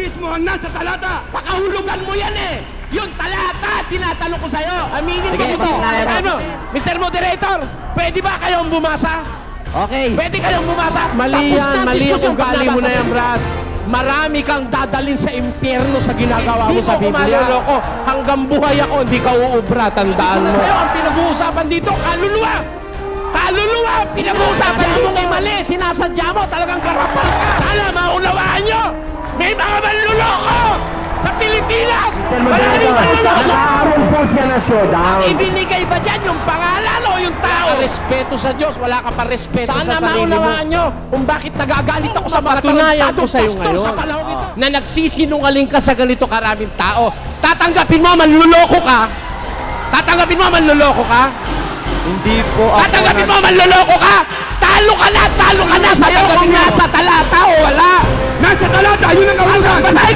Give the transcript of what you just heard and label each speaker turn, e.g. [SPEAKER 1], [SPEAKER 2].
[SPEAKER 1] mismo ang nasa talata.
[SPEAKER 2] Pakahulugan mo yan eh! Yung talata, tinatanong ko sa'yo. Aminin mo
[SPEAKER 3] Sige,
[SPEAKER 2] ito.
[SPEAKER 3] patunayan mo.
[SPEAKER 2] Ano? Mr. Moderator, pwede ba kayong bumasa?
[SPEAKER 3] Okay.
[SPEAKER 2] Pwede kayong bumasa?
[SPEAKER 4] Mali
[SPEAKER 2] Tapos
[SPEAKER 4] yan,
[SPEAKER 2] na
[SPEAKER 4] mali ang
[SPEAKER 2] diskusyon
[SPEAKER 4] ugali mo
[SPEAKER 2] paglabas
[SPEAKER 4] na yan,
[SPEAKER 2] natin.
[SPEAKER 4] Brad. Marami kang dadalhin sa impyerno sa ginagawa mo
[SPEAKER 2] Hindi
[SPEAKER 4] sa
[SPEAKER 2] mo ko
[SPEAKER 4] Biblia.
[SPEAKER 2] maloloko.
[SPEAKER 4] Hanggang buhay ako, hindi ka uubra, tandaan mo.
[SPEAKER 2] Sa'yo, ang pinag-uusapan dito, kaluluwa! Kaluluwa! ang Pinag-uusapan mo kay mali, sinasadya mo, talagang karapal ka. Sana maunawaan nyo! May mga manluloko! Sa Pilipinas! Maraming manluloko!
[SPEAKER 1] Nakaroon po siya na showdown.
[SPEAKER 2] Ibinigay ba dyan yung pangalan o yung tao?
[SPEAKER 4] Respeto sa Diyos, wala ka pa respeto
[SPEAKER 2] Sana
[SPEAKER 4] sa sarili mo.
[SPEAKER 2] maunawaan nyo kung bakit nagagalit ako sa mga
[SPEAKER 4] Patunayan ko
[SPEAKER 2] tarantadong
[SPEAKER 4] sa'yo
[SPEAKER 2] pastor
[SPEAKER 4] ngayon
[SPEAKER 2] sa panahon ito.
[SPEAKER 4] na nagsisinungaling ka sa ganito karaming tao. Tatanggapin mo, manluloko ka? Tatanggapin mo, manluloko ka?
[SPEAKER 3] Hindi po ako
[SPEAKER 4] Tatanggapin mo, manluloko ka? Talo ka na! Talo ka na! Sa'yo kung nasa talata o wala!
[SPEAKER 1] Nasa talata, yun ang kahulugan.
[SPEAKER 2] Basahin